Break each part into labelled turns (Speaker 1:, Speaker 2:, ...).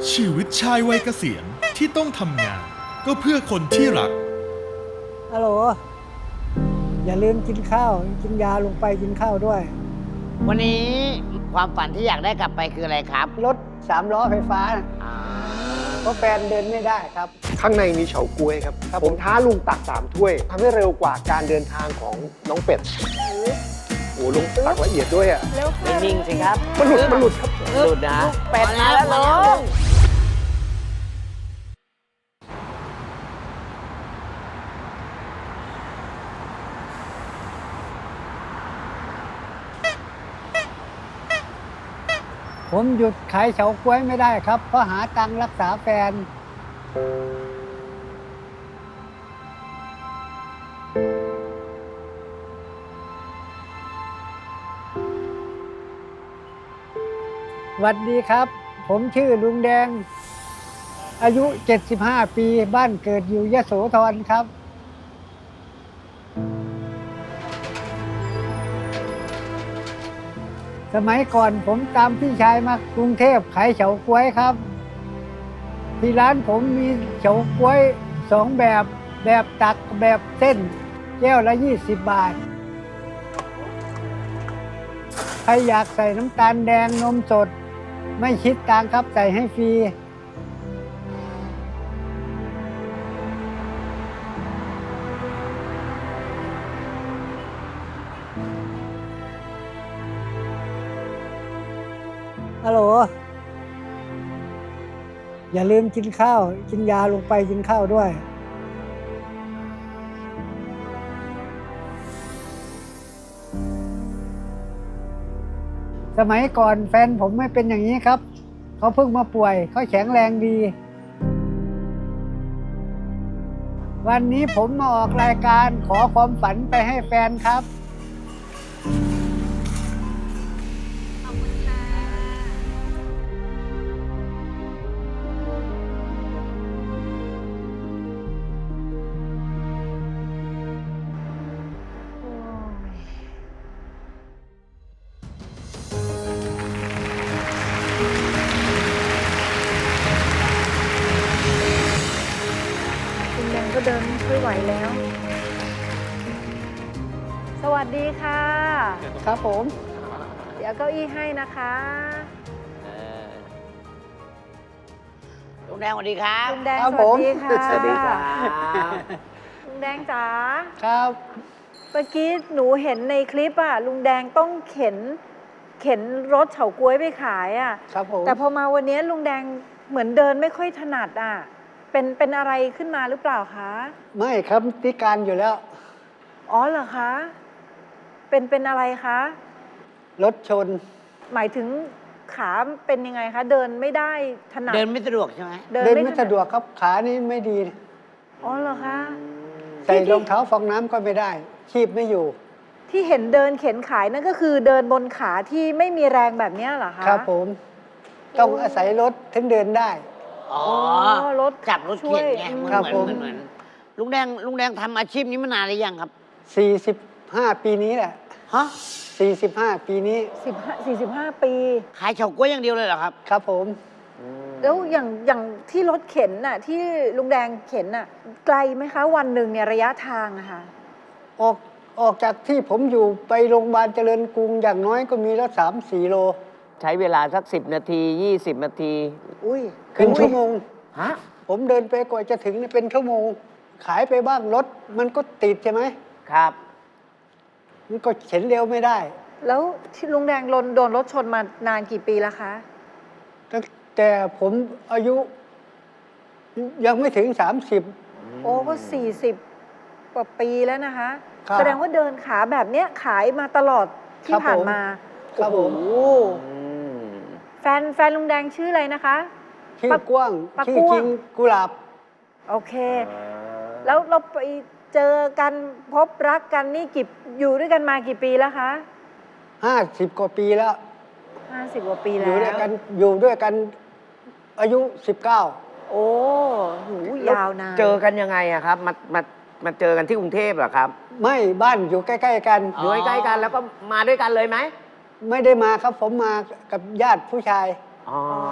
Speaker 1: ชีวิตชายวัยเกษียณที่ต้องทำงานก็เพื่อคนที่รัก
Speaker 2: ฮัลโหลอย่าลืมกินข้าวกินยาลงไปกินข้าวด้วย
Speaker 3: วันนี้ความฝันที่อยากได้กลับไปคืออะไรครับ
Speaker 2: รถ3 ล้อไฟฟ้านะเพราะแฟนเดินไม่ได้ครับ
Speaker 4: ข้างในมีเฉาก๊วยครับ ผมท้าลุงตัก3 ถ้วยทำให้เร็วกว่าการเดินทางของน้องเป็ด โอ้ลุงตักละเอียดด้วยอ่ะ
Speaker 3: นิ่งๆสิครับ
Speaker 4: มันหลุดครับ
Speaker 3: หลุดนะเป็ดมาแล้วลุง
Speaker 2: ผมหยุดขายเฉาก๊วยไม่ได้ครับเพราะหาตังค์รักษาแฟนสวัสดีครับผมชื่อลุงแดงอายุ75 ปีบ้านเกิดอยู่ยโสธรครับสมัยก่อนผมตามพี่ชายมากรุงเทพขายเฉาก๊วยครับที่ร้านผมมีเฉาก๊วย2 แบบตักแบบเส้นแก้วละ20 บาทใครอยากใส่น้ำตาลแดงนมสดไม่คิดตังค์ครับใส่ให้ฟรีฮัลโหลอย่าลืมกินข้าวกินยาลงไปกินข้าวด้วยสมัยก่อนแฟนผมไม่เป็นอย่างนี้ครับเขาเพิ่งมาป่วยเขาแข็งแรงดีวันนี้ผมมาออกรายการขอความฝันไปให้แฟนครับ
Speaker 5: คุณแดงก็เดินไม่ค่อยไหวแล้ว สวัสดีค่ะ
Speaker 2: ครับผม
Speaker 5: เดี๋ยวเก้าอี้ให้นะคะ
Speaker 3: ลุงแดงสวัสดีครับ
Speaker 5: ลุงแดง
Speaker 2: ครับ
Speaker 5: ส
Speaker 2: ผ
Speaker 5: วัส
Speaker 2: ม
Speaker 5: ดีค่ะ
Speaker 3: สวัสดีครับ
Speaker 5: ลุงแดงจ๋า
Speaker 2: ครับ
Speaker 5: เมื่อกี้หนูเห็นในคลิปอ่ะลุงแดงต้องเข็นรถเฉาก๊วยไปขายอ่ะ
Speaker 2: ครับผม
Speaker 5: แต่พอมาวันนี้ลุงแดงเหมือนเดินไม่ค่อยถนัดอ่ะเป็นอะไรขึ้นมาหรือเปล่าคะ
Speaker 2: ไม่ครับพิการอยู่แล้ว
Speaker 5: อ๋อเหรอคะเป็นอะไรคะ
Speaker 2: รถชน
Speaker 5: หมายถึงขาเป็นยังไงคะ เดินไม่ได้ถนัด
Speaker 3: เดินไม่สะดวกใช่ไหม
Speaker 2: เดินไม่สะดวกครับขานี่ไม่ดี
Speaker 5: อ๋อเหรอคะ
Speaker 2: ใส่รองเท้าฟองน้ำก็ไม่ได้คีบไม่อยู่
Speaker 5: ที่เห็นเดินเข็นขายนั่นก็คือเดินบนขาที่ไม่มีแรงแบบเนี้ยเหรอคะ
Speaker 2: ครับผมต้องอาศัยรถถึงเดินได้
Speaker 3: อ๋อ
Speaker 5: รถ
Speaker 3: จับรถเข็นไง
Speaker 5: ช่วย
Speaker 3: เหมือน
Speaker 2: ครับผม
Speaker 3: เหมือนลุงแดงทำอาชีพนี้มานานหรือยังครับ
Speaker 2: 45 ปีนี้แหละ
Speaker 3: ฮะ
Speaker 2: 45 ปีนี้
Speaker 5: 45 ปี
Speaker 3: ขายเฉาก๊วยอย่างเดียวเลยเหรอครับ
Speaker 2: ครับผม
Speaker 5: แล้วอย่างที่รถเข็นน่ะที่ลุงแดงเข็นน่ะไกลไหมคะ วันหนึ่งเนี่ยระยะทางอะค่ะ
Speaker 2: ออกจากที่ผมอยู่ไปโรงพยาบาลเจริญกรุงอย่างน้อยก็มีแล้ว3-4 โล
Speaker 6: ใช้เวลาสัก10 นาที 20 นาที
Speaker 5: อุ้ย
Speaker 2: เป็นชั่วโมง
Speaker 6: ฮะ
Speaker 2: ผมเดินไปกว่าจะถึงเนี่ยเป็นชั่วโมง ขายไปบ้างรถมันก็ติดใช่ไหม
Speaker 6: ครับ
Speaker 2: มันก็เข็นเร็วไม่ได้
Speaker 5: แล้วที่ลุงแดงโดนรถชนมานานกี่ปีแล้วคะ
Speaker 2: ตั้งแต่ผมอายุยังไม่ถึง 30
Speaker 5: โอ้ก็40 กว่าปีแล้วนะคะ
Speaker 2: ครับ
Speaker 5: แสดงว่าเดินขาแบบเนี้ยขายมาตลอดที่
Speaker 2: ครับ
Speaker 5: ผ่าน
Speaker 2: ผม
Speaker 5: มา
Speaker 2: ครับผม
Speaker 5: โอ้แฟนลุงแดงชื่ออะไรนะคะ
Speaker 2: ชื่อกว้าง
Speaker 5: ปะ
Speaker 2: ชื่อ
Speaker 5: ก้วง
Speaker 2: จริงกุหลาบ
Speaker 5: โอเค แล้วเราไปเจอกันพบรักกันนี่อยู่ด้วยกันมากี่ปีแล้วคะ
Speaker 2: 50 กว่าปีแล้ว
Speaker 5: 50 กว่าปี
Speaker 2: อ
Speaker 5: แล้
Speaker 2: ยู่
Speaker 5: ว
Speaker 2: ด้วยกันอายุ 19
Speaker 5: โอ้หูยาวนาน
Speaker 6: เจอกันยังไงอะครับ มาเจอกันที่กรุงเทพเหรอครับ
Speaker 2: ไม่บ้านอยู่ใกล้ๆกัน
Speaker 6: อยู่ใกล้ๆกันแล้วก็มาด้วยกันเลยไหม
Speaker 2: ไม่ได้มาครับผมมากับญาติผู้ชาย
Speaker 6: อ๋อ
Speaker 5: อ๋อ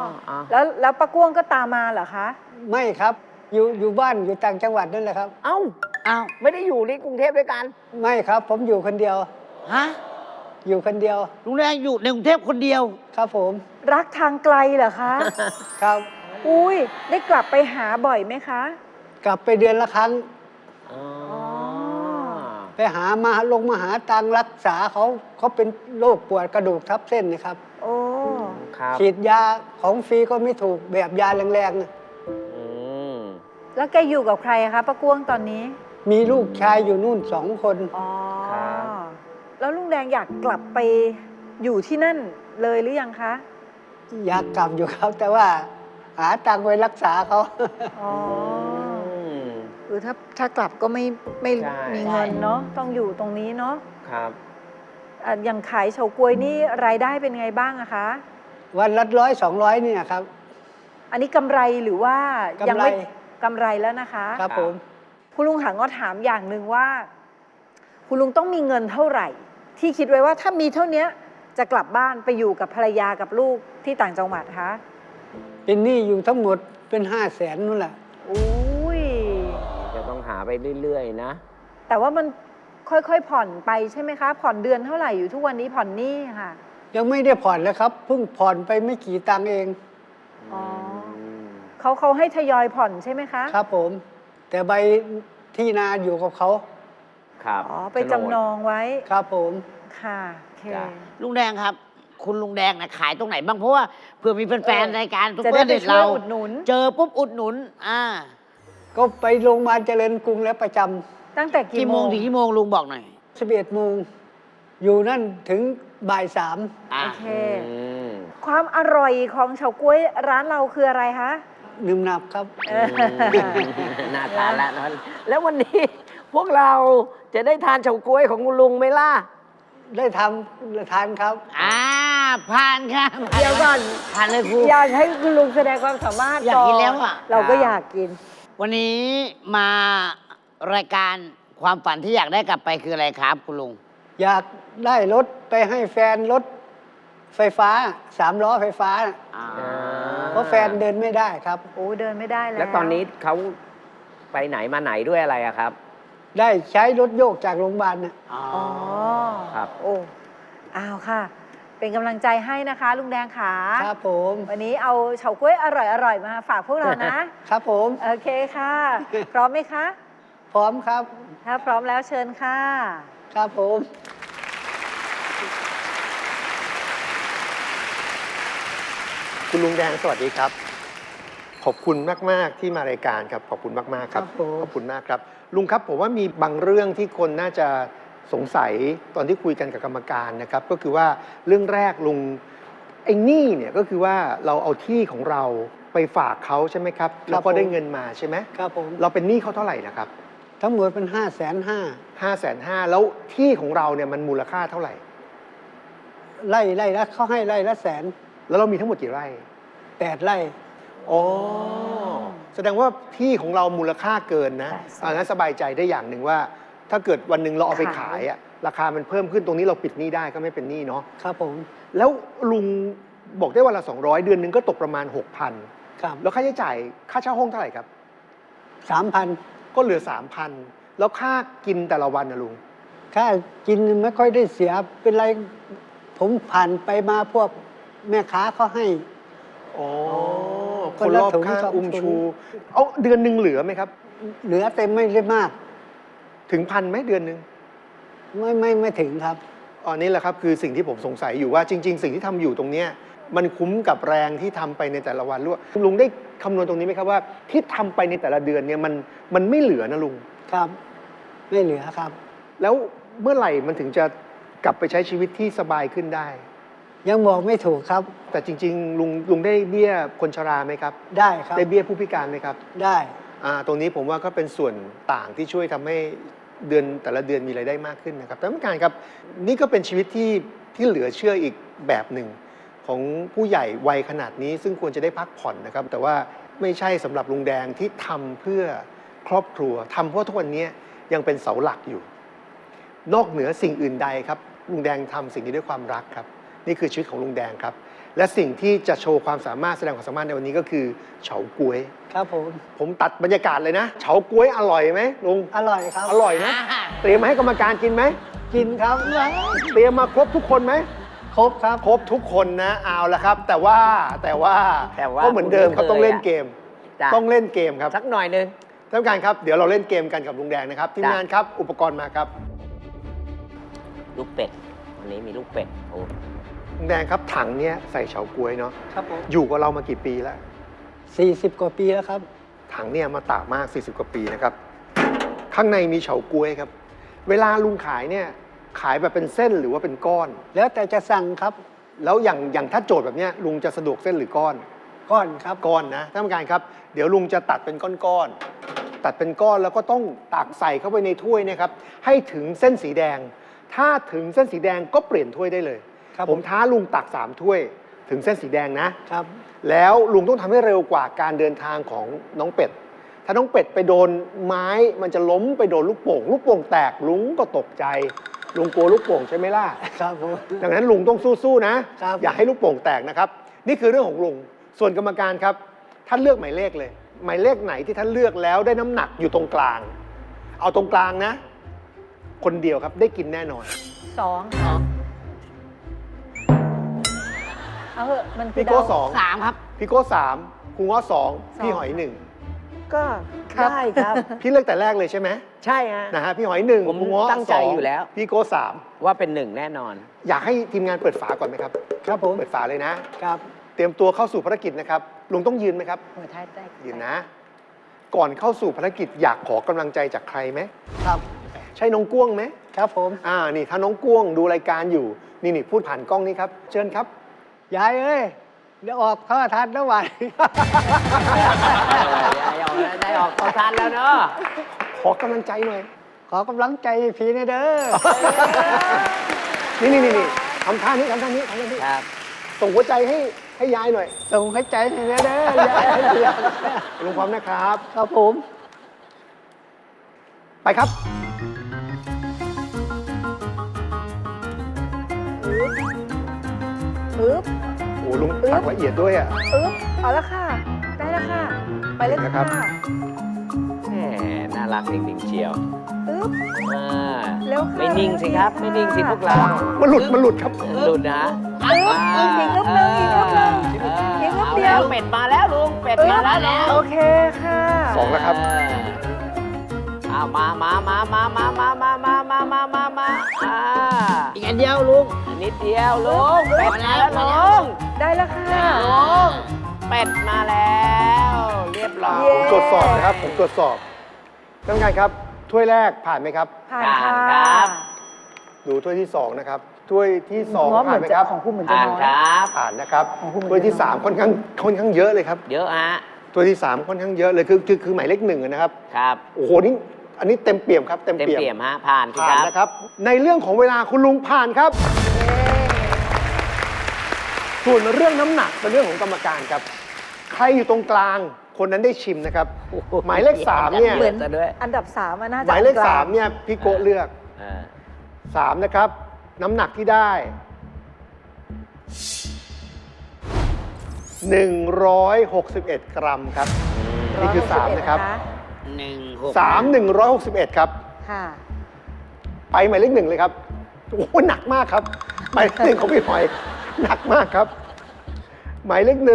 Speaker 6: อ๋อ
Speaker 5: แล้วป้าก้วงก็ตามมาเหรอคะ
Speaker 2: ไม่ครับ อยู่บ้านอยู่ต่างจังหวัดนั่นแหละครับ
Speaker 6: เอ้า
Speaker 3: อ้าว
Speaker 6: ไม่ได้อยู่ที่กรุงเทพด้วยกัน
Speaker 2: ไม่ครับผมอยู่คนเดียว
Speaker 3: ฮะ
Speaker 2: อยู่คนเดียว
Speaker 3: ลุงแดงอยู่ในกรุงเทพคนเดียว
Speaker 2: ครับผม
Speaker 5: รักทางไกลเหรอคะ
Speaker 2: ครับ
Speaker 5: อุ้ยได้กลับไปหาบ่อยไหมคะ
Speaker 2: กลับไปเดือนละครั้ง
Speaker 6: อ๋อ
Speaker 2: ไปมาหาตังค์รักษาเขาเป็นโรคปวดกระดูกทับเส้นนะครับ
Speaker 5: โอ้
Speaker 6: ครับ
Speaker 2: ฉีดยาของฟรีก็ไม่ถูกแบบยาแรงๆนะ
Speaker 6: อืม
Speaker 5: แล้วแกอยู่กับใครอะคะป้าก้วงตอนนี้
Speaker 2: มีลูกชายอยู่นู่น2 คน
Speaker 5: อ๋อ
Speaker 6: ครับ
Speaker 5: แล้วลุงแดงอยากกลับไปอยู่ที่นั่นเลยหรือยังคะ
Speaker 2: อยากกลับอยู่ครับ แต่ว่าหาตังค์ไปรักษาเขา
Speaker 5: อ๋อ
Speaker 6: อืม
Speaker 5: คือถ้ากลับก็ไม่
Speaker 6: ใช่
Speaker 5: มีเงินเนาะต้องอยู่ตรงนี้เนาะ
Speaker 6: ครับ
Speaker 5: อย่างขายเฉาก๊วยนี่รายได้เป็นไงบ้างอะคะ
Speaker 2: วันละ100-200เนี่ยครับ
Speaker 5: อันนี้กำไรหรือว่ายัไม่
Speaker 2: กำไร
Speaker 5: กำไรแล้วนะคะ
Speaker 2: ครับผม
Speaker 5: คุณลุงถังก็ถามอย่างหนึ่งว่า คุณลุงต้องมีเงินเท่าไหร่ ที่คิดไว้ว่าถ้ามีเท่านี้จะกลับบ้านไปอยู่กับภรรยากับลูกที่ต่างจังหวัดคะ
Speaker 2: เป็นหนี้อยู่ทั้งหมดเป็น500,000นู่นแหละ
Speaker 5: อุ้ย
Speaker 6: จะต้องหาไปเรื่อยๆนะ
Speaker 5: แต่ว่ามันค่อยๆผ่อนไปใช่ไหมคะ ผ่อนเดือนเท่าไหร่อยู่ทุกวันนี้ผ่อนหนี้ค่ะ
Speaker 2: ยังไม่ได้ผ่อนเลยครับเพิ่งผ่อนไปไม่กี่ตังค์เอง
Speaker 5: อ๋อ เขาให้ทยอยผ่อนใช่ไหมคะ
Speaker 2: ครับผม แต่ใบที่นาอยู่กับเขา
Speaker 6: ครับ
Speaker 5: อ๋อไปจำนองไว้
Speaker 2: ครับผม
Speaker 5: ค่ะโอเค
Speaker 6: จ้ะ
Speaker 3: ลุงแดงครับ คุณลุงแดงนะขายตรงไหนบ้างเพราะว่าเผื่อมีแฟนๆรายการทุก
Speaker 5: จะ
Speaker 3: เพื่
Speaker 5: ได้
Speaker 3: อน
Speaker 5: ไป
Speaker 3: เด็ด
Speaker 5: ช่วย
Speaker 3: เรา
Speaker 5: อุดหนุน
Speaker 3: เจอปุ๊บอุดหนุน
Speaker 2: ก็ไปโรงพยาบาลเจริญกรุงแล้วประจ
Speaker 5: ตั้งแต่
Speaker 3: กี่
Speaker 5: กี่
Speaker 3: โม
Speaker 5: โม
Speaker 3: ง
Speaker 5: ง
Speaker 3: ถึงกี่โมงลุงบอกหน่อย
Speaker 2: ำ11 โมง อยู่นั่นถึงบ่าย
Speaker 3: อ่า
Speaker 5: โอเค
Speaker 6: อืม
Speaker 5: ความอร่อยของเฉาก๊วยร้านเราคืออะไรคะ
Speaker 2: 3หนึบหนับครับ
Speaker 6: น่าทานแล้วนะแล้ววันนี้พวกเราจะได้ทานเฉาก๊วยของคุณลุงไหมล่ะ
Speaker 2: ได้ทำทานครับ
Speaker 3: ผ่านครับ
Speaker 5: เดี๋ยวก่อน
Speaker 3: ผ่านเลยครู
Speaker 5: อยากให้คุณลุงแสดงความสามารถ
Speaker 3: อยากกินแล้วอะ
Speaker 5: เราก็อยากกิน
Speaker 3: วันนี้มารายการความฝันที่อยากได้กลับไปคืออะไรครับ คุณลุง
Speaker 2: อยากได้รถไปให้แฟนรถไฟฟ้า3 ล้อไฟฟ้า เพราะแฟนเดินไม่ได้ครับ
Speaker 5: โอ้เดินไม่ได้แล้ว
Speaker 6: แล้วตอนนี้เขาไปไหนมาไหนด้วยอะไรอะครับ
Speaker 2: ได้ใช้รถโยกจากโรงพยาบาลน่ะ
Speaker 3: อ๋อ
Speaker 5: อ๋อ
Speaker 6: ครับ
Speaker 5: โอ้อ้าวค่ะ เป็นกำลังใจให้นะคะ ลุงแดงขา
Speaker 2: ครับผม
Speaker 5: วันนี้เอาเฉาก๊วยอร่อยๆมาฝากพวกเรานะ
Speaker 2: ครับผม
Speaker 5: โอเคค่ะ พร้อมไหมคะ
Speaker 2: พร้อมครับ
Speaker 5: ถ้าพร้อมแล้วเชิญค่ะ
Speaker 2: ครับผม
Speaker 4: คุณลุงแดงสวัสดีครับ ขอบคุณมาก ๆ ที่มารายการครับ ขอบคุณมาก ๆ ครับ
Speaker 2: ครับผม
Speaker 4: ขอบคุณมากครับ ลุงครับผมว่ามีบางเรื่องที่คนน่าจะสงสัยตอนที่คุยกันกับกรรมการนะครับ ก็คือว่าเรื่องแรกลุงไอ้หนี้เนี่ยก็คือว่าเราเอาที่ของเราไปฝากเขาใช่ไหมครับแล้วก็ได้เงินมาใช่ไหม
Speaker 2: ครับผม
Speaker 4: เราเป็นหนี้เขาเท่าไหร่นะครับ
Speaker 2: ทั้งหมดเป็น550,000
Speaker 4: 550,000แล้วที่ของเราเนี่ยมันมูลค่าเท่าไหร่
Speaker 2: ไร่ละเขาให้ไร่ละ100,000
Speaker 4: แล้วเรามีทั้งหมดกี่ไร่
Speaker 2: 8 ไร่
Speaker 4: อ๋อแสดงว่าที่ของเรามูลค่าเกินนะ
Speaker 5: ใช่
Speaker 4: งั้นสบายใจได้อย่างหนึ่งว่า ถ้าเกิดวันหนึ่งเราเอาไปขายอะราคามันเพิ่มขึ้นตรงนี้เราปิดหนี้ได้ก็ไม่เป็นหนี้เนาะ
Speaker 2: ครับผม
Speaker 4: แล้วลุงบอกได้วันละ200เดือนหนึ่งก็ตกประมาณ 6,000
Speaker 2: ครับ
Speaker 4: แล้วค่าใช้จ่ายค่าเช่าห้องเท่าไหร่ครับ
Speaker 2: 3,000
Speaker 4: ก็เหลือ 3,000 แล้วค่ากินแต่ละวันนะลุง
Speaker 2: ค่ากินไม่ค่อยได้เสียเป็นไร ผมผ่านไปมาพวกแม่ค้าเขาให้
Speaker 4: อ๋อ
Speaker 2: ค
Speaker 4: คน น
Speaker 2: ละ
Speaker 4: รอบ
Speaker 2: ถุง
Speaker 4: ข้าง
Speaker 2: สอง
Speaker 4: อุ้ม
Speaker 2: ถุง
Speaker 4: ชู เอาเดือนหนึ่งเหลือไหมครับ
Speaker 2: เหลือเต็มไม่ได้มาก
Speaker 4: ถึง1,000ไหมเดือนหนึ่ง
Speaker 2: ไม่ถึงครับ
Speaker 4: อันนี้แหละครับคือสิ่งที่ผมสงสัยอยู่ว่าจริง ๆ สิ่งที่ทำอยู่ตรงเนี้ยมันคุ้มกับแรงที่ทำไปในแต่ละวันหรือว่าลุงได้คำนวณตรงนี้ไหมครับว่าที่ทำไปในแต่ละเดือนเนี่ยมันไม่เหลือนะลุง
Speaker 2: ครับ ไม่เหลือครับ
Speaker 4: แล้วเมื่อไหร่มันถึงจะกลับไปใช้ชีวิตที่สบายขึ้นได้
Speaker 2: ยังบอกไม่ถูกครับ
Speaker 4: แต่จริง ๆ ลุงได้เบี้ยคนชราไหมครับ
Speaker 2: ได้ครับ
Speaker 4: ได้เบี้ยผู้พิการไหมครับ
Speaker 2: ได้
Speaker 4: ตรงนี้ผมว่าก็เป็นส่วนต่างที่ช่วยทำให้แต่ละเดือนมีรายได้มากขึ้นนะครับแต่ไม่การครับนี่ก็เป็นชีวิตที่เหลือเชื่ออีกแบบหนึ่งของผู้ใหญ่วัยขนาดนี้ ซึ่งควรจะได้พักผ่อนนะครับ แต่ว่าไม่ใช่สำหรับลุงแดงที่ทำเพื่อครอบครัวทำเพราะทุกวันนี้ยังเป็นเสาหลักอยู่ นอกเหนือสิ่งอื่นใดครับลุงแดงทำสิ่งนี้ด้วยความรักครับนี่คือชีวิตของลุงแดงครับและสิ่งที่จะโชว์ความสามารถแสดงความสามารถในวันนี้ก็คือเฉาก๊วย
Speaker 2: ครับผม
Speaker 4: ผมตัดบรรยากาศเลยนะเฉาก๊วยอร่อยไหมลุง
Speaker 2: อร่อยครับ
Speaker 4: อร่อยนะเตรียมมาให้กรรมการกินไหม
Speaker 2: กินครับ
Speaker 4: เตรียมมาครบทุกคนไหม
Speaker 2: ครบครับ
Speaker 4: ครบทุกคนนะเอาละครับ แต่ว่าก็เหมือนเดิมครับต้องเล่นเกม
Speaker 6: จ้ะ
Speaker 4: ต้องเล่นเกมครับ
Speaker 6: สักหน่อยหนึง
Speaker 4: ท่านผู้การครับเดี๋ยวเราเล่นเกมกันกับลุงแดงนะครับทีม
Speaker 6: จ้ะ
Speaker 4: งานครับอุปกรณ์มาครับ
Speaker 6: ลูกเป็ด วันนี้มีลูกเป็ด โอ้
Speaker 4: ลุงแดงครับถังเนี้ยใส่เฉาก๊วยเนาะ
Speaker 2: ครับผม
Speaker 4: อยู่กับเรามากี่ปีแล้ว
Speaker 2: 40 กว่าปีแล้วครับ
Speaker 4: ถังเนี่ยมาตากมาก 40 กว่าปีนะครับ ข้างในมีเฉาก๊วยครับ เวลาลุงขายเนี่ยขายแบบเป็นเส้นหรือว่าเป็นก้อน
Speaker 2: แล้วแต่จะสั่งครับ
Speaker 4: แล้วอย่างถ้าโจทย์แบบเนี้ยลุงจะสะดวกเส้นหรือก้อน
Speaker 2: ก้อนครับ
Speaker 4: ก้อนนะท่านผู้การครับเดี๋ยวลุงจะตัดเป็นก้อนๆตัดเป็นก้อนแล้วก็ต้องตักใส่เข้าไปในถ้วยนะครับให้ถึงเส้นสีแดง ถ้าถึงเส้นสีแดงก็เปลี่ยนถ้วยได้เลย
Speaker 2: ครับ
Speaker 4: ผมท้าลุงตัก3ถ้วยถึงเส้นสีแดงนะ
Speaker 2: ครับ
Speaker 4: แล้วลุงต้องทำให้เร็วกว่าการเดินทางของน้องเป็ด ถ้าน้องเป็ดไปโดนไม้มันจะล้มไปโดนลูกโป่ง ลูกโป่งแตกลุงก็ตกใจ ลุงกลัวลูกโป่งใช่ไหมล่ะ
Speaker 2: ครับผม
Speaker 4: ดังนั้นลุงต้องสู้ๆนะครับ อย่าให้ลูกโป่งแตกนะครับ นี่คือเรื่องของลุง ส่วนกรรมการครับท่านเลือกหมายเลขเลย หมายเลขไหนที่ท่านเลือกแล้วได้น้ำหนักอยู่ตรงกลาง เอาตรงกลางนะ คนเดียวครับได้กินแน่นอน
Speaker 5: 2เอาเหอะมันคือ
Speaker 4: พี่โก้
Speaker 5: เดา
Speaker 4: สอง
Speaker 3: 3 ครับ
Speaker 4: พี่โก้3ครูง้อ2พี่หอย
Speaker 6: ก็ได้ครับ
Speaker 4: 1พี่เลือกแต่แรกเลยใช่ไหม
Speaker 6: ใช่ฮะ
Speaker 4: นะฮะพี่หอย1
Speaker 6: ผม
Speaker 4: ครูง้อ
Speaker 6: ตั้งใจอยู่แล้ว
Speaker 4: พี่โก้
Speaker 6: ว่าเป็นหนึ่งแน่นอน
Speaker 4: 3อยากให้ทีมงานเปิดฝาก่อนไหมครับ
Speaker 2: ครับผม
Speaker 4: เปิดฝาเลยนะ
Speaker 2: ครับ
Speaker 4: เตรียมตัวเข้าสู่ภารกิจนะครับลุงต้องยืนไหมครับ
Speaker 5: หัวท้ายได้
Speaker 4: ยืนนะ ก่อนเข้าสู่ภารกิจอยากขอกำลังใจจากใครไหม
Speaker 2: ครับ
Speaker 4: ใช่น้องก้วงไหม
Speaker 2: ครับผม
Speaker 4: นี่ถ้าน้องก้วงดูรายการอยู่ นี่พูดผ่านกล้องนี้ครับ เชิญครับ
Speaker 2: ยายเอ้ย เดี๋ยวออกข้อทันนะวัน
Speaker 6: ได้ออกตอนทันแล้วเนาะ
Speaker 4: ขอกำลังใจหน่อย
Speaker 2: ขอกำลังใจพี่นะเด้อ
Speaker 4: นี่ทำท่านี้
Speaker 6: ครับ
Speaker 4: ส่งหัวใจให้ยายหน่อย
Speaker 2: ส่งให้ใจพี่นะเด้อยายให้เดียว
Speaker 4: ลุงพร้อมนะครับ
Speaker 2: ครับผม
Speaker 4: ไปครับ
Speaker 5: อึ๊บ
Speaker 4: โอ้ลุงตักละเอียดด้วยอ่ะ
Speaker 5: อึ๊บเอาละค่ะ ได้แล้วค่ะ ไปเลย
Speaker 4: นะครับ
Speaker 5: ค่ะ
Speaker 6: แหมน่ารักจริงๆเชียว
Speaker 5: อึ๊บ
Speaker 6: อ่า
Speaker 5: เร็วค่ะ
Speaker 6: ไม่นิ่งสิครับ ไม่นิ่งสิพวกเรา
Speaker 4: มันหลุดครับ
Speaker 6: หลุดนะ
Speaker 5: อึ๊บอึ๊บอีกอึ๊บหนึ่งอีกอึ๊บหนึ่งอีกอึ๊บเดียว
Speaker 6: อาแล้เป็ดมาแล้วลุง เป็ด
Speaker 5: อึ๊
Speaker 6: มา
Speaker 5: บ
Speaker 6: แล้ว
Speaker 5: โอเคค่ะ
Speaker 4: สองแล้วครับ
Speaker 6: เอามาอ่า
Speaker 3: อีกอันเดียวลุง
Speaker 6: อันนิดเดียวลุง เป็ดมาแล้วลุง
Speaker 5: ได้แล้วค่ะ
Speaker 6: ลุง เป็ดมาแล้ว เรียบร้อย
Speaker 5: เย้
Speaker 4: ผมตรวจสอบนะครับ ผมตรวจสอบท่านผู้การครับ ถ้วยแรกผ่านไหมครับ
Speaker 5: ผ่านค่ะ
Speaker 6: ครับ
Speaker 4: ดูถ้วยที่ 2 นะครับ ถ้วยที่ 2
Speaker 5: ว่าเห
Speaker 4: ผ่า
Speaker 5: มื
Speaker 4: น
Speaker 5: อน
Speaker 4: ไหม
Speaker 5: จะ
Speaker 4: ครับ
Speaker 5: ของคุณเหมือนจะ
Speaker 6: ผ่าน
Speaker 5: น้อย
Speaker 6: ครับ
Speaker 4: ผ่านนะครับ
Speaker 5: ของคุณเหมือน
Speaker 4: ถ้วยที่
Speaker 5: จะน้อย
Speaker 4: 3 ค่อนข้างเยอะเลยครับ
Speaker 6: เยอะฮะ
Speaker 4: ถ้วยที่ 3 ค่อนข้างเยอะเลยคือหมายเลข1นะครับ
Speaker 6: ครับ
Speaker 4: โอ้โหนี่อันนี้เต็มเปี่ยมครับเต็ม
Speaker 6: เต็ม
Speaker 4: เปี่ยม
Speaker 6: เปี่ยมฮะ ผ่านสิ
Speaker 4: ผ่าน
Speaker 6: ครับ
Speaker 4: นะครับ ในเรื่องของเวลาคุณลุงผ่านครับ ส่วนเรื่องน้ำหนักเป็นเรื่องของกรรมการครับ ใครอยู่ตรงกลางคนนั้นได้ชิมนะครับ หมายเลข3เนี่ย
Speaker 5: เหมือน
Speaker 6: ซะด้วย
Speaker 5: อันดับ3น่า
Speaker 4: ห
Speaker 5: จะ
Speaker 4: มายเลข
Speaker 5: กลง
Speaker 4: 3เนี่ยพี่โกะเลือก
Speaker 6: อ่า
Speaker 4: 3 นะครับ น้ำหนักที่ได้ 161 กรัมครับ นี่คือ 3 นะครับ 161 ครับ
Speaker 5: ค่ะ
Speaker 4: ไปหมายเลข 1 เลยครับ โอ้โหหนักมากครับ หมายเลข 1ของพี่หอย หนักมากครับ หมายเลข 1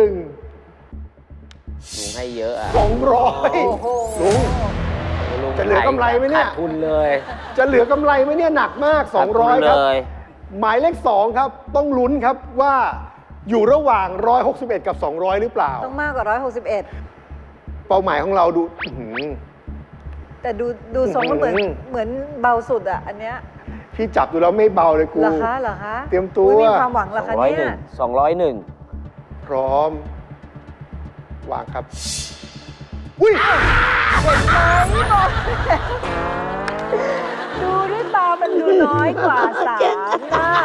Speaker 6: ลุงให้เยอะอ่ะ
Speaker 5: โอ้โห
Speaker 4: 200ลุง
Speaker 6: ลุง
Speaker 4: จะเหลือกำไรไหมเนี่ย
Speaker 6: ขาดทุนเลย
Speaker 4: จะเหลือกำไรไหมเนี่ยหนักมาก
Speaker 6: ขาดทุน
Speaker 4: 200 ครับ
Speaker 6: เลย
Speaker 4: หมายเลข 2 ครับ ต้องลุ้นครับว่าอยู่ระหว่าง 161 กับ 200 หรือเปล่า
Speaker 5: ต้องมากกว่า 161
Speaker 4: เป้าหมายของเราดูอื้อหือ
Speaker 5: แต่ดูทรงก็เหมือน
Speaker 4: อืม
Speaker 5: เหมือนเบาสุดอ่ะ อันเนี้ย
Speaker 4: พี่จับดูแล้วไม่เบาเลยกู
Speaker 5: เหรอคะเหรอคะ
Speaker 4: เตรียมตัว
Speaker 5: อุ๊มีความหวังเหรอคะเนี่ย
Speaker 6: 201
Speaker 4: พร้อม วางครับ อุ้ย
Speaker 5: ดูด้วยตามันดูน้อยกว่า3น่ะ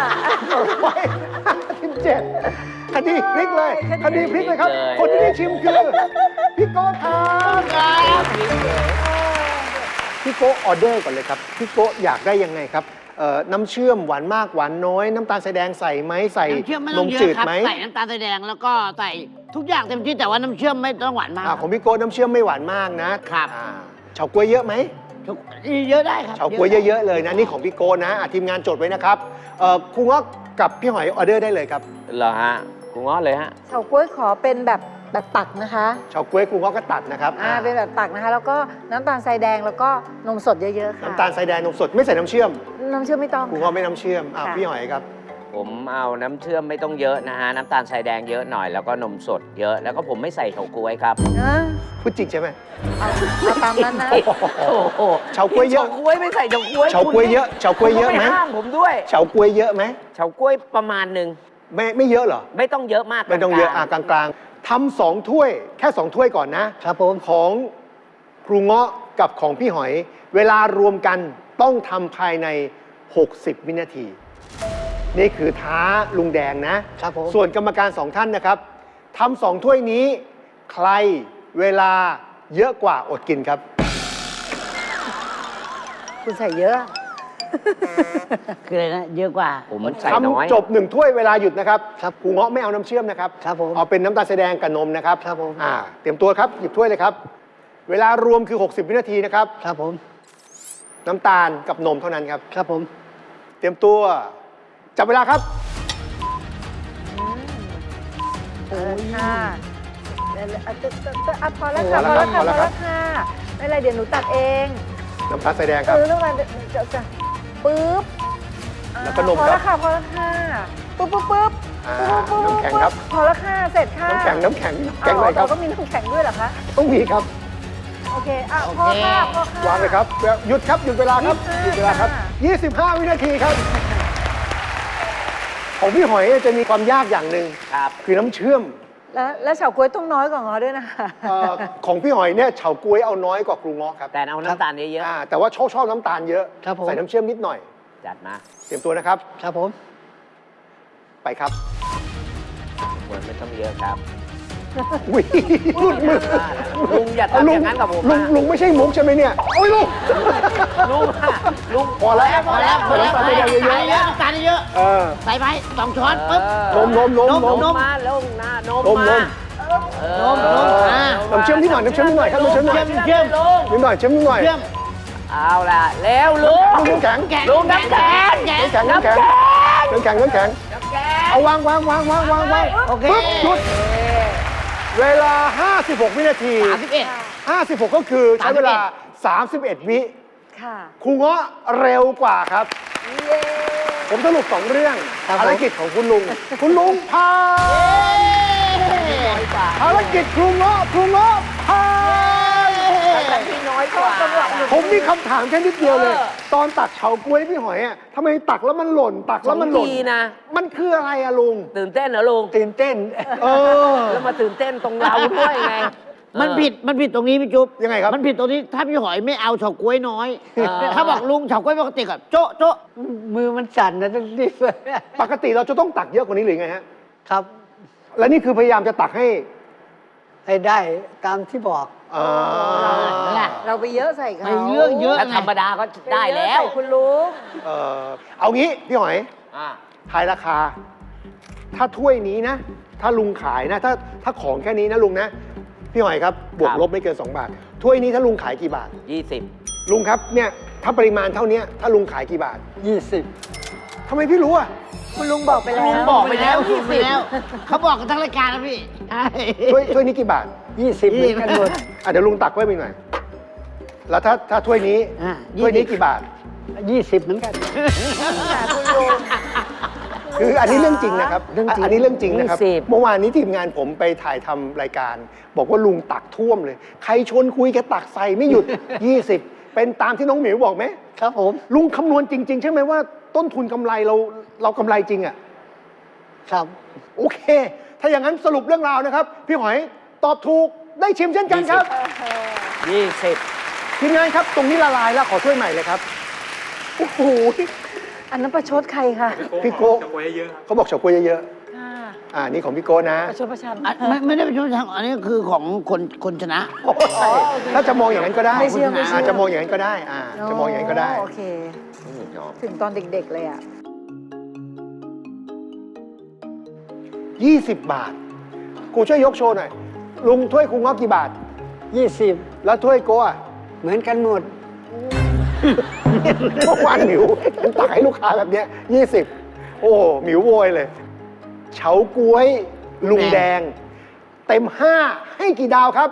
Speaker 4: 157คดีพลิกเลย คดีพลิกเลยครับ
Speaker 6: พลิกเลย
Speaker 4: คนที่ได้ชิมคือ พี่โก้ครับพี่โก้ออเดอร์ก่อนเลยครับ พี่โก้อยากได้ยังไงครับน้ำเชื่อมหวานมากหวานน้อย น้ำตาลทรายแดงใส่ไหมใส่
Speaker 3: น้ำเชื่อมไม่
Speaker 4: น
Speaker 3: ต้อง
Speaker 4: ม
Speaker 3: เย
Speaker 4: จื
Speaker 3: อะ
Speaker 4: ด
Speaker 3: ครับ
Speaker 4: ไหม
Speaker 3: ใส่น้ำตาลทรายแดงแล้วก็ใส่ทุกอย่างเต็มที่แต่ว่าน้ำเชื่อมไม่ต้องหวานมาก
Speaker 4: ของพี่โก้น้ำเชื่อมไม่หวานมากนะครับ เฉาก๊วยเยอะไหม
Speaker 3: ทุกเยอะได้ครับ
Speaker 4: เฉาก๊วยเยอะๆเลยนะนี่ของพี่โก้นะทีมงานจดไว้นะครับครูเงาะกับพี่หอยออเดอร์ได้เลยครับ
Speaker 6: เหรอฮะคุณง้อเลยฮะ
Speaker 5: เฉาก๊วยขอเป็นแบบตักนะคะ
Speaker 4: เฉาก๊วยครูเงาะก็ตัดนะครับ
Speaker 5: เป็นแบบตักนะคะ แล้วก็น้ำตาลทรายแดงแล้วก็นมสดเยอะๆค่ะ
Speaker 4: น้ำตาลทรายแดงนมสดไม่ใส่น้ำเชื่อม
Speaker 5: น้ำเชื่อมไม่ต้อง
Speaker 4: ครูเงาะไม่น้ำเชื่อม
Speaker 5: ค่ะ
Speaker 4: พี่หอยครับ
Speaker 6: ผมเอาน้ำเชื่อมไม่ต้องเยอะนะฮะ น้ำตาลทรายแดงเยอะหน่อย แล้วก็นมสดเยอะ แล้วก็ผมไม่ใส่เฉาก๊วยครับ
Speaker 5: เออ
Speaker 4: พูดจริงใช่ไหม
Speaker 5: เอาตามนั้นนะ
Speaker 6: โอ้โห
Speaker 4: เฉาก๊วยเยอะ
Speaker 6: เฉาก๊วยไม่ใส่เฉาก๊วย
Speaker 4: เฉาก๊วยเยอะเฉาก๊วยเยอะไหม
Speaker 6: คุณก็ห้ามผมด้วย
Speaker 4: เฉาก๊วยเยอะไหม
Speaker 6: เฉาก๊วยประมาณหนึ่ง
Speaker 4: ไม่เยอะเหรอ
Speaker 6: ไม่ต้องเยอะมาก
Speaker 4: ไม่ต้องเยอะ
Speaker 6: กลาง
Speaker 4: กลางๆทำ2 ถ้วยแค่ 2 ถ้วยก่อนนะครับ
Speaker 2: ผม
Speaker 4: ของครูเงาะกับของพี่หอย เวลารวมกันต้องทำภายใน 60 วินาที นี่คือท้าลุงแดงนะครับ
Speaker 2: ผม
Speaker 4: ส่วนกรรมการ2 ท่านนะครับทำ2 ถ้วยนี้ ใครเวลาเยอะกว่าอดกินครับ
Speaker 5: คุณใส่เยอะ
Speaker 3: คืออะไรนะเยอะกว่า
Speaker 6: ผมใส่น้อย
Speaker 4: ทำจบ1 ถ้วยเวลาหยุดนะครับครูเงาะไม่เอาน้ำเชื่อมนะครับ
Speaker 2: ครับผม
Speaker 4: เอาเป็นน้ำตาลทรายแดงกับนมนะครับ
Speaker 2: ครับผม
Speaker 4: เตรียมตัวครับหยิบถ้วยเลยครับ เวลารวมคือ 60 วินาทีนะครับ
Speaker 2: ครับผม
Speaker 4: น้ำตาลกับนมเท่านั้นครับ
Speaker 2: ครับผม
Speaker 4: เตรียมตัวจับเวลาครับ
Speaker 5: ค่ะพอแล้วค่ะ พอแล้วค่ะ พอแล้วค่ะไม่เป็นไรเดี๋ยวหนูตัดเอง
Speaker 4: น้ำตาลทรายแดงครับ
Speaker 5: เรื่องอะไรจะปึ๊บ
Speaker 4: แล้วก็นม
Speaker 5: พอ
Speaker 4: ครั
Speaker 5: แล้
Speaker 4: บ
Speaker 5: วค่ะ พอแล้วค่ะ ปึ๊บปึ๊บปึ๊บ
Speaker 4: น้ำแข็งครับ
Speaker 5: พอแล้วค่ะ เสร็จค่ะ
Speaker 4: น้ำแข็งแข็ง
Speaker 5: เอา
Speaker 4: เลยครับ
Speaker 5: เราก็มีน้ำแข็งด้วยเหรอคะ
Speaker 4: ต้องมีครับ
Speaker 5: โอเคพอค่ะ พอค่ะ
Speaker 4: วางเลยครับหยุดครับหยุดเวลาครับหยุดเวลาครับ 25 วินาทีครับ ของพี่หอยจะมีความยากอย่างหนึ่ง
Speaker 6: ครับ
Speaker 4: คือน้ำเชื่อม
Speaker 5: แล้วเฉาก๊วยต้องน้อยกว่าง้อด้วยนะคะ
Speaker 4: ของพี่หอยเนี่ยเฉาก๊วยเอาน้อยกว่าครูเงาะครับ
Speaker 6: แต่เอาน้ำตาลเยอะ
Speaker 4: แต่ว่าชอบน้ำตาลเยอะ
Speaker 2: ครับผม
Speaker 4: ใส่น้ำเชื่อมนิดหน่อย
Speaker 6: ๆจัดมา
Speaker 4: เตรียมตัวนะครับ
Speaker 2: ครับผม
Speaker 4: ไปครับ
Speaker 6: ควรไม่ต้องเยอะครับ
Speaker 4: อุ้ยหลุดมือ
Speaker 6: ลุงอย่าทำอย่างนั้นกับผมนะ
Speaker 4: ลุงไม่ใช่มุกใช่ไหมเนี่ย โอ้ยลุง
Speaker 6: ลุงอะลุง
Speaker 4: พอแล้ว
Speaker 3: พอแล้ว
Speaker 4: ใส่น้ำตาลทรายแดงเยอะ
Speaker 3: ใส่แล้วน้ำตาลเยอะ
Speaker 4: ๆเออ
Speaker 3: ใส่ไป2 ช้อนปุ๊บ
Speaker 4: นม
Speaker 6: นมมาแล้วนม
Speaker 4: นม
Speaker 6: มา
Speaker 4: น้ำเชื่อมนิดหน่อยน้ำเชื่อมนิดหน่อยครับน้ำเชื่อมนิดหน่อย
Speaker 3: เชื่อม
Speaker 6: ลุง
Speaker 4: นิดหน่อยเชื่อมนิดหน่อย
Speaker 3: เชื่อม
Speaker 6: เอาล่ะแล้วลุง
Speaker 4: น้ำแข็ง
Speaker 3: แกะ
Speaker 6: ลุงน้ำแข็ง
Speaker 4: น้ำแข็งน้ำแข็งน้ำแข็งเอาวาง
Speaker 3: โอเค
Speaker 4: ปึ๊บหยุดเวลา 56 วินาที
Speaker 3: 31
Speaker 4: 56 ก็คือใช้เวลา 31 วิ
Speaker 5: ค่ะ
Speaker 4: ครูเงาะเร็วกว่าครับ
Speaker 5: เย้
Speaker 4: ผมสรุป2 เรื่อง
Speaker 2: ครับผม
Speaker 4: ภารกิจของคุณลุง คุณลุงพาภารกิจครูเงาะพา
Speaker 6: แต่ที่น้อยกว่า
Speaker 4: ผมมีคำถามแค่นิดเดียวเลย ตอนตักเฉาก๊วยพี่หอยอ่ะทำไมตักแล้วมันหล่นตักแล้วมันหล่น
Speaker 6: 2 ทีนะ
Speaker 4: มันคืออะไรอะลุง
Speaker 6: ตื่นเต้นเหรอลุง
Speaker 2: ตื่นเต้น
Speaker 4: เออ
Speaker 6: แล้วมาตื่นเต้นตรงเราด้วยไง
Speaker 3: มันผิดตรงนี้พี่จุ๊บ
Speaker 4: ยังไงครับ
Speaker 3: มันผิดตรงนี้ถ้าพี่หอยไม่เอาเฉาก๊วยน้อย
Speaker 6: เออ
Speaker 3: ถ้าบอกลุงเฉาก๊วยปกติกับโจ๊ะโจ๊ะ
Speaker 2: มือมันสั่นนะต้องรีบ
Speaker 4: ปกติเราจะต้องตักเยอะกว่านี้หรือไงฮะ
Speaker 2: ครับ
Speaker 4: และนี่คือพยายามจะตักให้
Speaker 2: ให้ได้ตามที่บอก
Speaker 4: อ่า
Speaker 5: เราไปเยอะใส่เขา
Speaker 3: ไม่เรื่องเยอะ
Speaker 6: ถ้าธรรมดาก็ได้แล้ว
Speaker 5: ใส่คุณลุง
Speaker 4: เอางี้พี่หอย
Speaker 6: อ่า
Speaker 4: ทายราคา ถ้าถ้วยนี้นะ ถ้าลุงขายนะ ถ้าของแค่นี้นะลุงนะ พี่หอยครับ บวกลบไม่เกิน 2 บาท ถ้วยนี้ถ้าลุงขายกี่บาท
Speaker 6: 20
Speaker 4: ลุงครับเนี่ยถ้าปริมาณเท่านี้ถ้าลุงขายกี่บาท
Speaker 2: 20
Speaker 4: ทำไมพี่รู้อ่ะ
Speaker 5: คุณลุงบอกไปแล้ว
Speaker 3: ลุงบอกไปแล้วเขาบอกกันทั้งรายการนะพี่ใช่
Speaker 4: ถ้วยนี้กี่บาท
Speaker 2: 20เหมือนกันหมด
Speaker 4: เดี๋ยวลุงตักไว้ไปหน่อย แล้วถ้าถ้วยนี้ ถ้วยนี้กี่บาท
Speaker 2: 20เหมือนกัน
Speaker 5: คุณลุง
Speaker 4: คืออันนี้เรื่องจริงนะครับ
Speaker 2: เรื่องจริง
Speaker 4: อันนี้เรื่องจริงนะครับ
Speaker 6: 20
Speaker 4: เมื่อวานนี้ทีมงานผมไปถ่ายทำรายการ บอกว่าลุงตักท่วมเลย ใครชวนคุยแกตักใส่ไม่หยุด 20 เป็นตามที่น้องหมิวบอกไหม
Speaker 2: ครับผม
Speaker 4: ลุงคำนวณจริง ๆ ใช่ไหมว่าต้นทุนกำไรเรากำไรจริงอ่ะ
Speaker 2: ครับ
Speaker 4: โอเค ถ้าอย่างนั้นสรุปเรื่องราวนะครับ พี่หอยตอบถูกได้ชิมเช่นกันครับ
Speaker 6: 20
Speaker 4: ทีมงานครับตรงนี้ละลายแล้วขอถ้วยใหม่เลยครับโอ้โห
Speaker 5: อันนั้นประชดใครคะ
Speaker 4: พี่โก้เขาบอกเฉาก๊วยเยอะ
Speaker 5: ค่ะ
Speaker 4: นี่ของพี่โก้นะ
Speaker 5: ประชดประชัน
Speaker 3: ไม่ได้เป็นชุดทางอันนี้คือของคนชนะ
Speaker 4: ถ้าจะมองอย่างนั้นก็ได้
Speaker 5: ไม่เชื่อ
Speaker 4: จะมองอย่างนั้นก็ได้จะมองอย่างนั้นก็ได้
Speaker 5: โอเค
Speaker 6: ชอบ
Speaker 5: ถึงตอนเด็กๆเลยอ่ะ
Speaker 4: 20 บาทครูช่วยยกโชว์หน่อยลุงถ้วยครูง้อกี่บาท
Speaker 2: 20
Speaker 4: แล้วถ้วยโกะ
Speaker 2: เหมือนกันหมด
Speaker 4: เมื่อวานหมิวตักให้ลูกค้าแบบเนี้ย20 โอ้หมิวโวยเลย เฉาก๊วยลุงแดง เต็ม 5 ให้กี่ดาวครับ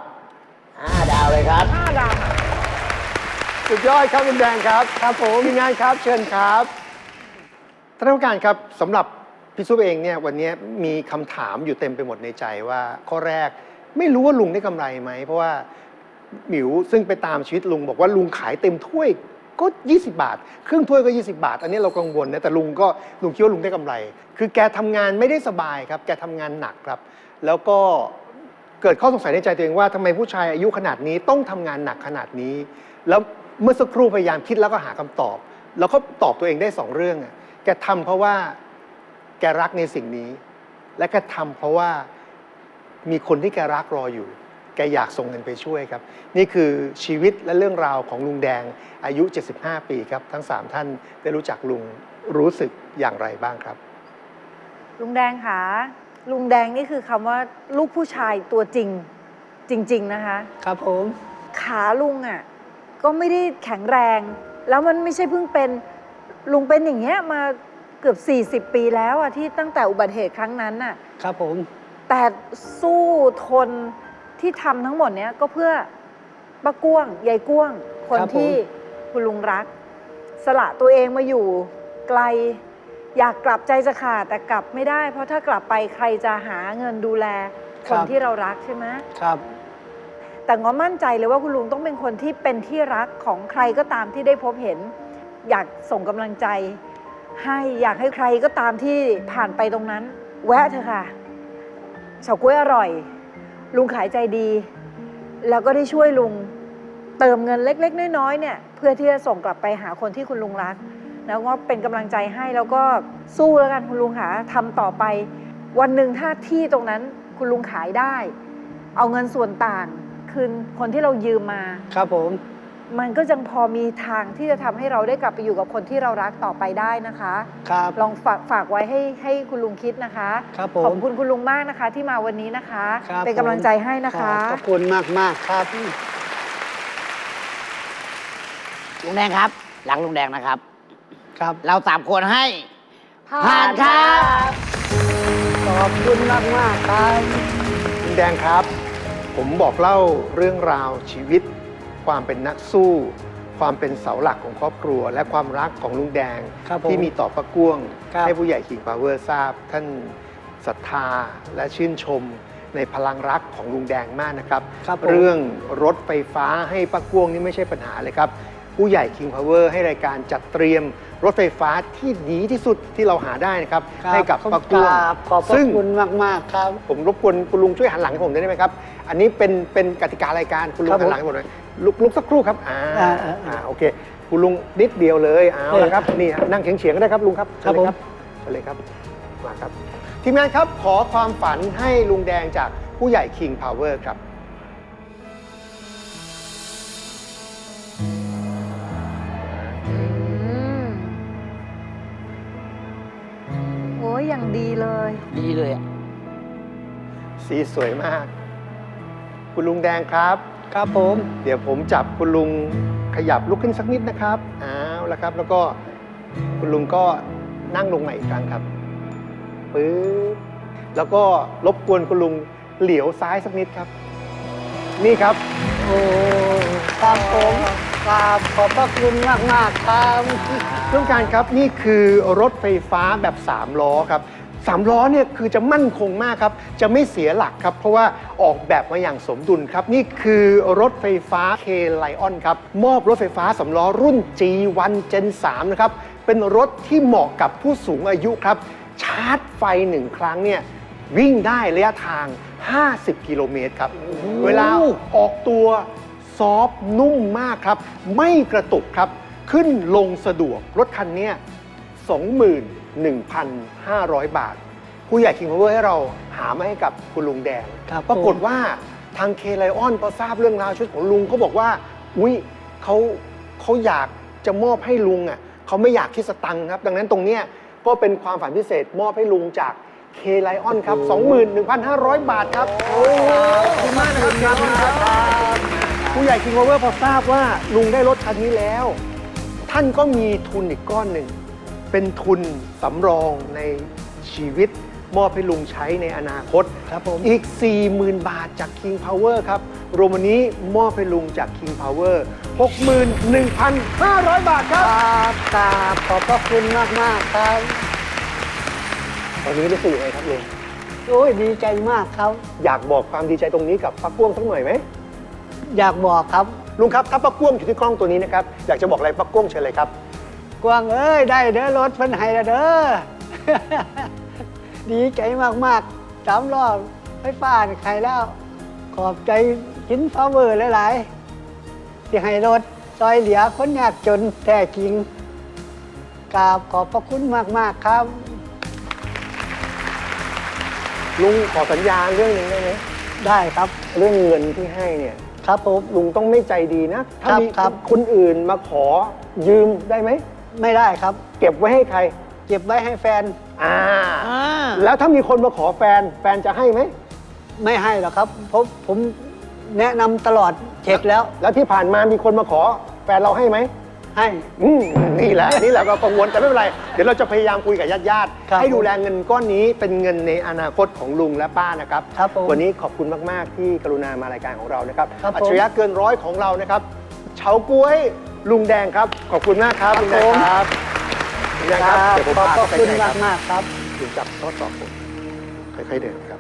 Speaker 6: 5 ดาวเลยครับ
Speaker 5: 5 ดาวค่ะ
Speaker 4: สุดยอดครับลุงแดงครับครับผมทีมงานครับเชิญครับท่านผู้การครับสำหรับพี่ซุปเองเนี่ยวันนี้มีคำถามอยู่เต็มไปหมดในใจว่าข้อแรกไม่รู้ว่าลุงได้กำไรไหมเพราะว่าหมิวซึ่งไปตามชีวิตลุงบอกว่าลุงขายเต็มถ้วยก็ 20 บาทครึ่งถ้วยก็ 20 บาท อันนี้เรากังวลนะแต่ลุงคิดว่าลุงได้กำไร คือแกทำงานไม่ได้สบายครับแกทำงานหนักครับ แล้วก็เกิดข้อสงสัยในใจตัวเองว่าทำไมผู้ชายอายุขนาดนี้ต้องทำงานหนักขนาดนี้ แล้วเมื่อสักครู่พยายามคิดแล้วก็หาคำตอบ แล้วก็ตอบตัวเองได้2เรื่องแกทำเพราะว่าแกรักในสิ่งนี้ และแกทำเพราะว่ามีคนที่แกรักรออยู่แกอยากส่งเงินไปช่วยครับนี่คือชีวิตและเรื่องราวของลุงแดงอายุ75 ปีครับทั้ง3ท่านได้รู้จักลุงรู้สึกอย่างไรบ้างครับ
Speaker 5: ลุงแดงค่ะลุงแดงนี่คือคำว่าลูกผู้ชายตัวจริงจริง ๆนะคะ
Speaker 2: ครับผม
Speaker 5: ขาลุงอ่ะก็ไม่ได้แข็งแรง แล้วมันไม่ใช่เพิ่งเป็นลุงเป็นอย่างเงี้ยมาเกือบ40 ปีแล้วอ่ะที่ตั้งแต่อุบัติเหตุครั้งนั้นน่ะ
Speaker 2: ครับผม
Speaker 5: แต่สู้ทนที่ทำทั้งหมดเนี้ยก็เพื่อป้าก้วงยายก้วงคนที่คุณลุงรัก สละตัวเองมาอยู่ไกลอยากกลับใจจะขาดแต่กลับไม่ได้ เพราะถ้ากลับไปใครจะหาเงินดูแลคนที่เรารักใช่ไหม
Speaker 2: ครับ
Speaker 5: แต่ง้อมั่นใจเลยว่าคุณลุงต้องเป็นคนที่เป็นที่รักของใครก็ตามที่ได้พบเห็น อยากส่งกำลังใจให้อยากให้ใครก็ตามที่ผ่านไปตรงนั้น แวะเถอะค่ะเฉาก๊วยอร่อย ลุงขายใจดี แล้วก็ได้ช่วยลุงเติมเงินเล็กๆน้อยๆเนี่ยเพื่อที่จะส่งกลับไปหาคนที่คุณลุงรักแล้วก็เป็นกำลังใจให้แล้วก็สู้แล้วกันคุณลุงค่ะทำต่อไปวันหนึ่งถ้าที่ตรงนั้นคุณลุงขายได้ เอาเงินส่วนต่างคืนคนที่เรายืมมา
Speaker 2: ครับผม
Speaker 5: มันก็ยังพอมีทางที่จะทำให้เราได้กลับไปอยู่กับคนที่เรารักต่อไปได้นะคะ
Speaker 2: ครับ
Speaker 5: ลองฝากไว้ให้คุณลุงคิดนะคะ
Speaker 2: ครับผม
Speaker 5: ขอบคุณคุณลุงมากนะคะ ที่มาวันนี้นะคะ
Speaker 2: ครับ
Speaker 5: เป็นกำลังใจให้นะคะ
Speaker 2: ขอบคุณมากๆครับ
Speaker 3: ลุงแดงครับรักลุงแดงนะครับ
Speaker 2: ครับ
Speaker 3: เรา3 คนให้ผ่านครับ
Speaker 2: ขอบคุณมากๆครับ
Speaker 4: ลุงแดงครับ ผมบอกเล่าเรื่องราวชีวิต ความเป็นนักสู้ ความเป็นเสาหลักของครอบครัว และความรักของลุงแดง
Speaker 2: ครับผม
Speaker 4: ที่มีต่อป้าก้วง
Speaker 2: ครับ
Speaker 4: ให้ผู้ใหญ่ King Power ทราบ ท่านศรัทธาและชื่นชมในพลังรักของลุงแดงมากนะครับ
Speaker 2: ครับผม
Speaker 4: เรื่องรถไฟฟ้าให้ป้าก้วงนี่ไม่ใช่ปัญหาเลยครับ ผู้ใหญ่ King Power ให้รายการจัดเตรียมรถไฟฟ้าที่ดีที่สุดที่เราหาได้นะครับ
Speaker 2: ครับ
Speaker 4: ให้กับป้าก้วง
Speaker 2: ขอบพระ
Speaker 4: ซึ่ง
Speaker 2: คุณมากๆครับ
Speaker 4: ผมรบกวนคุณลุงช่วยหันหลังให้ผมได้ไหมครับ อันนี้เป็นกติการายการคุณลุง
Speaker 2: ครับผม
Speaker 4: หันหลังให้ผมหน่อยลุกสักครู่ครับโอเคคุณลุงนิดเดียวเลยเอาละครับนี่ฮะนั่งเฉียงๆก็ได้ครับลุงครับ
Speaker 2: ครับ
Speaker 4: เชิญเลยครับเชิญเลยครับมาครับทีมงานครับขอความฝันให้ลุงแดงจากผู้ใหญ่ King Power ครับ
Speaker 5: โอ้ยอย่างดีเลย
Speaker 3: ดีเลยอะ
Speaker 4: สีสวยมาก คุณลุงแดงครับ
Speaker 2: ครับผม
Speaker 4: เดี๋ยวผมจับคุณลุงขยับลุกขึ้นสักนิดนะครับเอาละครับ แล้วก็คุณลุงก็นั่งลงใหม่อีกครั้งครับปึ๊บแล้วก็รบกวนคุณลุงเหลียวซ้ายสักนิดครับ นี่ครับ
Speaker 2: โอ้ครับผมครับขอบพระคุณมากๆครับ
Speaker 4: ท่านผู้การครับนี่คือรถไฟฟ้าแบบ3ล้อครับ3ล้อเนี่ยคือจะมั่นคงมากครับจะไม่เสียหลักครับเพราะว่าออกแบบมาอย่างสมดุลครับนี่คือรถไฟฟ้า K Lion ครับมอบรถไฟฟ้า3ล้อรุ่น G1 Gen 3นะครับเป็นรถที่เหมาะกับผู้สูงอายุครับชาร์จไฟ1ครั้งเนี่ยวิ่งได้ระยะทาง 50 กิโลเมตรครับเวลาออกตัวซอฟต์นุ่มมากครับไม่กระตุกครับขึ้นลงสะดวกรถคันนี้ 21,500 บาท ผู้ใหญ่ King Power ให้เราหามาให้กับคุณลุงแดง
Speaker 2: ครับ
Speaker 4: ปรากฏว่าทางเคไลออนพอทราบเรื่องราวชีวิตของลุงเขาบอกว่าอุ๊ยเขาอยากจะมอบให้ลุงอ่ะเขาไม่อยากคิดสตังค์ครับ ดังนั้นตรงเนี้ยก็เป็นความฝันพิเศษมอบให้ลุงจากเคไลออนครับ 21,500 บาทครับขอบคุณมากนะครับผู้ใหญ่ King Power พอทราบว่าลุงได้รถคันนี้แล้ว ท่านก็มีทุนอีกก้อนหนึ่ง เป็นทุนสำรองในชีวิต มอบให้ลุงใช้ในอนาคต
Speaker 2: ครับผม
Speaker 4: อีก 40,000 บาทจาก King Power ครับ รวมวันนี้มอบให้ลุงจาก King Power 61,500 บาทครับ
Speaker 2: กราบขอบพระคุณมากๆครับ
Speaker 4: ตอนนี้รู้สึกยังไงครับลุง
Speaker 2: โอ้ยดีใจมากครับ
Speaker 4: อยากบอกความดีใจตรงนี้กับป้าก้วงสักหน่อยไหม
Speaker 2: อยากบอกครับ
Speaker 4: ลุงครับถ้าป้าก้วงอยู่ที่กล้องตัวนี้นะครับ อยากจะบอกอะไรป้าก้วงเชิญเลยครับ
Speaker 2: กวางเอ้ยได้เด้อรถเพิ่นให้แล้วเด้อ ดีใจมากๆ3 รอบไฟฟ้านี่ใครแล้ว ขอบใจKing Powerหลายๆที่ให้รถซอยเหลือคนยากจนแท้จริงกราบขอบพระคุณมากๆครับ
Speaker 4: ลุงขอสัญญาเรื่องหนึงได้ไหม
Speaker 2: ได้ครับ
Speaker 4: เรื่องเงินที่ให้เนี่ย
Speaker 2: ครับผม
Speaker 4: ลุงต้องไม่ใจดีนะ ถ้ามี
Speaker 2: ครับ
Speaker 4: คนอื่นมาขอยืมได้ไหม
Speaker 2: ไม่ได้ครับ
Speaker 4: เก็บไว้ให้ใคร
Speaker 2: เก็บไว้ให้แฟน
Speaker 4: แล้วถ้ามีคนมาขอแฟนจะให้ไหม
Speaker 2: ไม่ให้หรอกครับเพราะผมแนะนำตลอดเช็คแล้ว
Speaker 4: แล้วที่ผ่านมามีคนมาขอแฟนเราให้ไหม
Speaker 2: ให้
Speaker 4: นี่แหละก็กังวลแต่ไม่เป็นไร เดี๋ยวเราจะพยายามคุยกับญาติ
Speaker 2: ครับ
Speaker 4: ๆให้ดูแลเงินก้อนนี้เป็นเงินในอนาคตของลุงและป้านะครับ
Speaker 2: ครับผม
Speaker 4: วันนี้ขอบคุณมาก ๆ ที่กรุณามารายการของเรานะครับ
Speaker 2: ครับผม
Speaker 4: อัจฉริยะเกินร้อยของเรานะครับเฉาก๊วยลุงแดงครับ ขอบคุณมากครับลุงแดงครับลุงแดงครับเดี๋ยวผม
Speaker 2: ขอบ
Speaker 4: พา
Speaker 2: พระ
Speaker 4: ไป
Speaker 2: คุณ
Speaker 4: ไหนครับ
Speaker 2: มากๆครับ
Speaker 4: ลุงจับทดสอบผมค่อยๆเดินครับ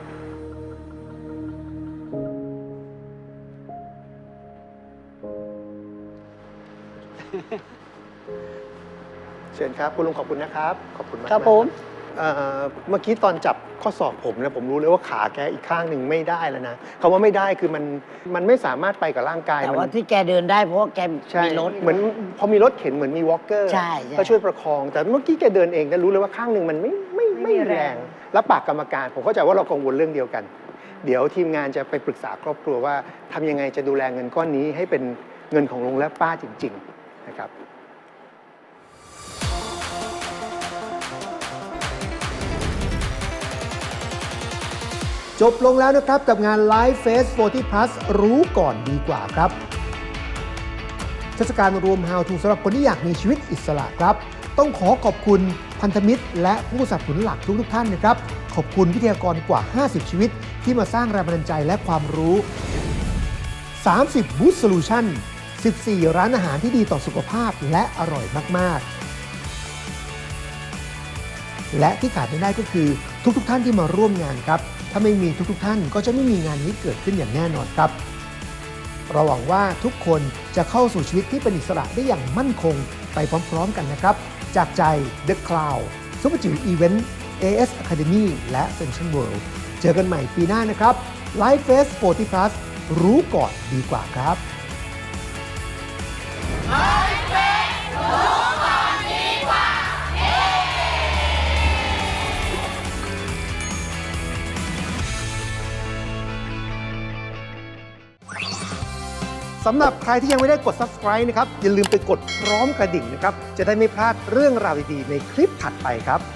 Speaker 4: เชิญครับคุณลุงขอบคุณนะครับ ขอบคุณมาก
Speaker 2: ครับผม
Speaker 4: เมื่อกี้ตอนจับข้อศอกผมเนี่ยผมรู้เลยว่าขาแกอีกข้างหนึ่งไม่ได้แล้วนะคำว่าไม่ได้คือมันไม่สามารถไปกับร่างกาย
Speaker 3: แต่
Speaker 4: มั
Speaker 3: ว่าที่แกเดินได้เพราะว่าแก
Speaker 4: ใช่
Speaker 3: มีรถ
Speaker 4: เหมือนพอมีรถเข็นเหมือนมีวอล์กเกอร์
Speaker 3: ใช่ใช่
Speaker 4: ก็ช่วยประคอง แต่เมื่อกี้แกเดินเองก็รู้เลยว่าข้างหนึ่งมันไม่แรง แล้วปากกรรมการผมเข้าใจว่าเรากังวลเรื่องเดียวกัน เดี๋ยวทีมงานจะไปปรึกษาครอบครัวว่าทำยังไงจะดูแลเงินก้อนนี้ให้เป็นเงินของลุงและป้าจริง ๆ นะครับ จบลงแล้วนะครับกับงาน Live Face 40 Plus รู้ก่อนดีกว่าครับเทศกาลรวม How to สำหรับคนที่อยากมีชีวิตอิสระครับ ต้องขอบคุณพันธมิตรและผู้สนับสนุนหลักทุกท่านนะครับ ขอบคุณวิทยากรกว่า 50 ชีวิตที่มาสร้างแรงบันดาลใจและความรู้ 30 Boost Solution 14 ร้านอาหารที่ดีต่อสุขภาพและอร่อยมากๆ และที่ขาดไม่ได้ก็คือทุกท่านที่มาร่วมงานครับ ถ้าไม่มีทุกท่านก็จะไม่มีงานนี้เกิดขึ้นอย่างแน่นอนครับเราหวังว่าทุกคนจะเข้าสู่ชีวิตที่เป็นอิสระได้อย่างมั่นคงไปพร้อมๆกันนะครับ จากใจ The Cloud ซุปเปอร์จิ๋วอีเวนต์ AS Academy และ Central World เจอกันใหม่ปีหน้านะครับ Live Face 40 Plus รู้ก่อนดีกว่าครับ สำหรับใครที่ยังไม่ได้กด subscribe นะครับ อย่าลืมไปกดพร้อมกระดิ่งนะครับ จะได้ไม่พลาดเรื่องราวดีๆในคลิปถัดไปครับ